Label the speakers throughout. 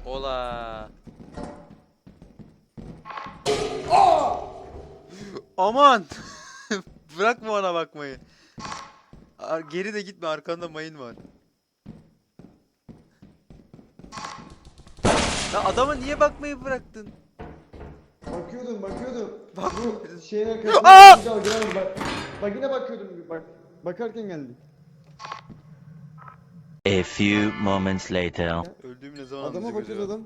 Speaker 1: Ola. Aman. Bırakma ona bakmayı. Geri de gitme, arkanda mayın var. Ya adama niye bakmayı bıraktın?
Speaker 2: Bakıyordum.
Speaker 1: Bak.
Speaker 2: Bu şeyin arkasında bak yine bakıyordum bak. Bakarken geldi.
Speaker 3: A few moments later.
Speaker 1: Öldüğüm ne zaman
Speaker 2: Adama
Speaker 1: anlayacak
Speaker 2: bakıyoruz
Speaker 1: acaba?
Speaker 2: adam.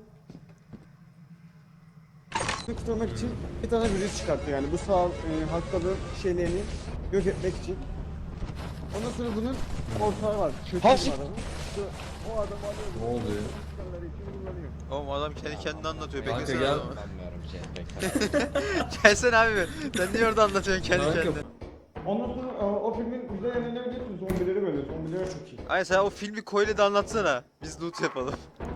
Speaker 2: Kurtarmak için bir tane virüs çıkarttı yani bu sağ hastalığı şeylerini yok etmek için. Ondan sonra bunun ortağı var. Kötü bir adam. İşte o adam alıyor.
Speaker 4: Ne oluyor?
Speaker 2: Çıkarları için kullanıyor.
Speaker 1: Oğlum adam kendi kendine anlatıyor.
Speaker 4: Kanka
Speaker 1: Beklesene
Speaker 4: gel.
Speaker 1: adamı.
Speaker 5: Anlamıyorum şey pek.
Speaker 1: Gelsene abi. Sen niye orada anlatıyorsun kendi
Speaker 4: Kanka,
Speaker 1: kendine?
Speaker 2: Ondan sonra o filmin güzel yanı ne biliyorsunuz? Zombileri böyle. Zombileri çok iyi.
Speaker 1: Ay sen o filmi Koy'le de anlatsana. Biz loot yapalım.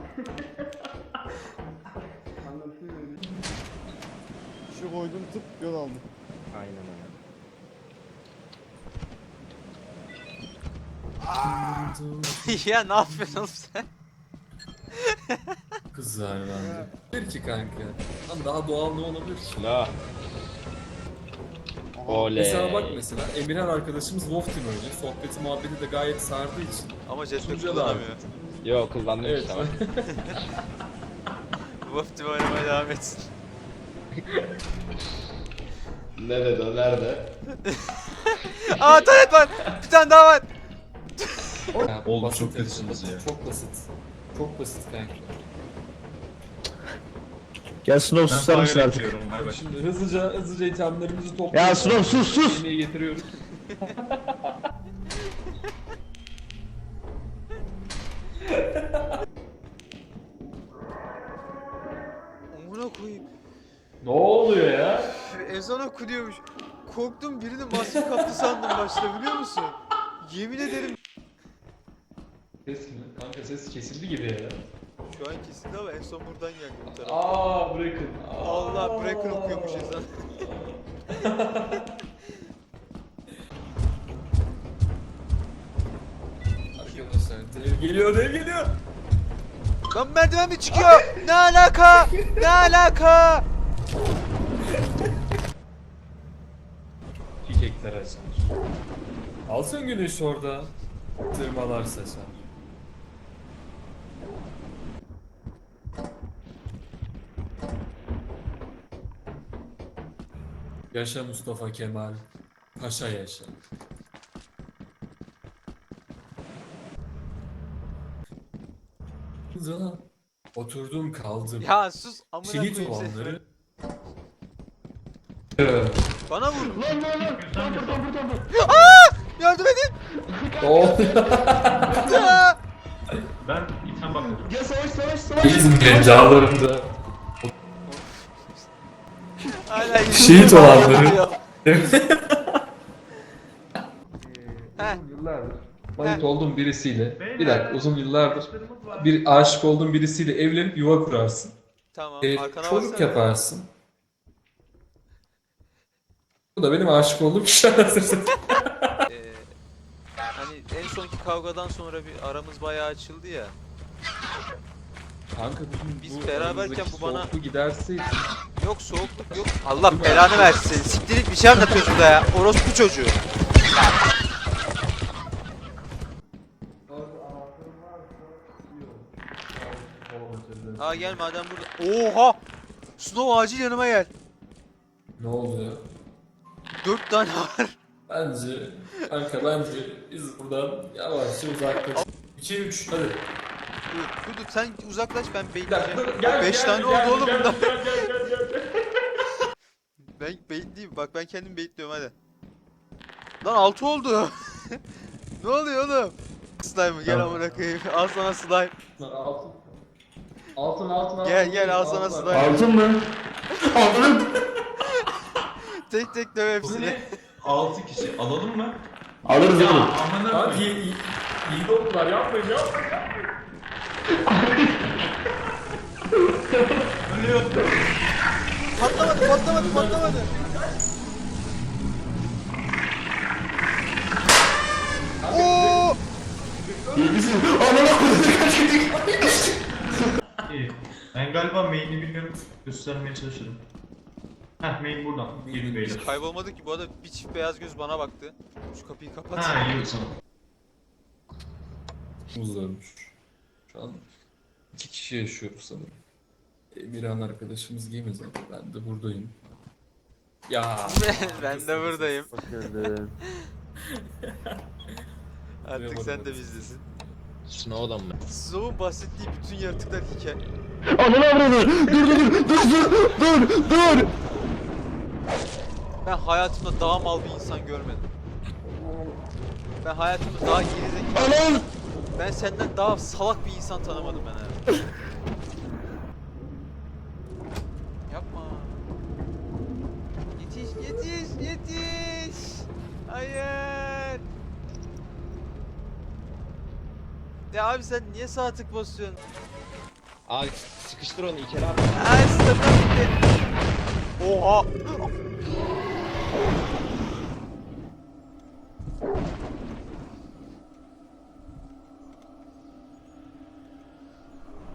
Speaker 2: Anlatayım öyle. Şu koydum tıp yol aldım.
Speaker 5: Aynen öyle.
Speaker 1: Ya ne yapıyorsun oğlum sen?
Speaker 4: Kızlar bence. Bir ki kanka. Ama daha doğal ne olabilir ki?
Speaker 5: Silah. Oley.
Speaker 4: Mesela bak mesela Emirhan arkadaşımız Wolf Team oynuyor. Sohbeti muhabbeti de gayet sardığı için.
Speaker 1: Ama jetpack
Speaker 4: Sunucuya da
Speaker 1: kullanamıyor.
Speaker 5: Yok kullandım
Speaker 4: Evet.
Speaker 5: işte bak.
Speaker 1: Wolf Team oynamaya devam etsin.
Speaker 5: Nerede o nerede?
Speaker 1: Aa taret var. Bir tane daha var.
Speaker 4: Ya,
Speaker 6: Oğlum
Speaker 4: basit
Speaker 6: çok
Speaker 4: evet.
Speaker 6: kötüsünüz ya.
Speaker 4: Çok basit. Çok basit kanka.
Speaker 7: Gel Snow susar mısın
Speaker 6: fire
Speaker 7: artık?
Speaker 6: atıyorum, bay bay.
Speaker 4: Şimdi hızlıca ithamlarımızı topluyoruz.
Speaker 7: Ya Snow sus!
Speaker 4: Yemeği getiriyoruz.
Speaker 1: Amına koyayım.
Speaker 4: Ne oluyor ya?
Speaker 1: Ezan okunuyormuş. Korktum, birinin maske kaptı sandım başta, biliyor musun? Yemin ederim.
Speaker 4: Ses mi? Kanka ses kesildi gibi ya.
Speaker 1: Şu an kesildi ama en son buradan geldi bu tarafa.
Speaker 4: Aa bırakın.
Speaker 1: Allah, bırakın okuyormuş ezan.
Speaker 4: Arkadaşlar dev geliyor.
Speaker 1: Lan merdiven mi çıkıyor? Ne alaka? Ne alaka?
Speaker 4: Çiçekler açar. Alsın güneş orada. Tırmalar saçar. Yaşa Mustafa Kemal. Paşa yaşa. Kıza oturdum kaldım.
Speaker 1: Ya sus, amına
Speaker 4: Şehit
Speaker 1: koyayım seni.
Speaker 4: olanları.
Speaker 1: Bana vur.
Speaker 2: Lan buradan.
Speaker 1: Yardım edin. Ya.
Speaker 6: Ben item bakmadım.
Speaker 2: Gel savaş.
Speaker 4: İzmir'in dağlarında
Speaker 1: Hala
Speaker 4: Şehit olanları.
Speaker 1: Heh.
Speaker 4: yıllardır manit olduğum birisiyle bir dakika uzun yıllardır bir aşık olduğum birisiyle evlenip yuva kurarsın.
Speaker 1: Tamam, arkana
Speaker 4: Çocuk
Speaker 1: baksana.
Speaker 4: yaparsın. Bu da benim aşık olduğum kişi anasını.
Speaker 1: Hani en sonki kavgadan sonra bir aramız bayağı açıldı ya.
Speaker 4: Kanka
Speaker 1: Biz beraberken bu bana-
Speaker 4: soğukluğu giderseydi.
Speaker 1: Yok, soğukluk yok. Allah belanı versin. Siktirik bir şey anlatıyorsun da ya. Orospu çocuğu. Aa gel madem burada. Oha! Snow acil yanıma gel.
Speaker 4: Ne oluyor?
Speaker 1: 4 tane var.
Speaker 4: Bence bence biz buradan yavaşça uzaklaş. 2 3 hadi.
Speaker 1: Dur sen uzaklaş, ben
Speaker 4: Bir dakika
Speaker 1: bekleyeceğim.
Speaker 4: dur, gel.
Speaker 1: 5 tane
Speaker 4: gel,
Speaker 1: oldu oğlum
Speaker 4: gel,
Speaker 1: bundan.
Speaker 4: gel.
Speaker 1: Ben bekleyeyim. Bak ben kendim bekliyorum hadi. Lan 6 oldu. Ne oluyor oğlum? Slime gel
Speaker 4: Tamam.
Speaker 1: amına koyayım. Al sana slime.
Speaker 4: Altın.
Speaker 1: Gel al sana slime.
Speaker 7: Altın mı? Altın!
Speaker 1: Tek tek döv
Speaker 6: Bu
Speaker 1: hepsini.
Speaker 6: ne? 6 kişi alalım mı?
Speaker 7: Alırız
Speaker 6: Ya
Speaker 7: oğlum.
Speaker 6: amına
Speaker 4: Hadi
Speaker 6: koyayım.
Speaker 4: iyi oldular yapmayın.
Speaker 6: Ölüyor.
Speaker 1: Patlamadı. Oo!
Speaker 7: İyi misin? Amına koydum.
Speaker 6: İyi. Ben galiba main'i bilmiyorum. Göstermeye çalışırım. Heh main buradan. Gelin beyler.
Speaker 1: Biz kaybolmadık ki bu arada bir çift beyaz göz bana baktı. Şu kapıyı kapat.
Speaker 6: Ha iyi o zaman.
Speaker 4: Muz ölmüş. Şu an 2 kişi yaşıyoruz sanırım. Emirhan arkadaşımız giyemez ama ben de buradayım. Ya.
Speaker 1: Ben de buradayım.
Speaker 2: Hoş geldin.
Speaker 1: Artık sen de bizdesin.
Speaker 5: Snow'dan mı?
Speaker 1: Snow'un bahsettiği bütün yaratıklar hikaye.
Speaker 7: Ananı avradı. Dur.
Speaker 1: Ben hayatımda daha mal bir insan görmedim. Ben hayatımda daha gerizekalı,
Speaker 7: Anam.
Speaker 1: ben senden daha salak bir insan tanımadım ben hayatımda. Yapma. Yetiş. Hayır. Ya abi sen niye sağ tık basıyorsun?
Speaker 5: Abi sıkıştır onu İlker abi.
Speaker 1: Ay stamina bitti. Oha.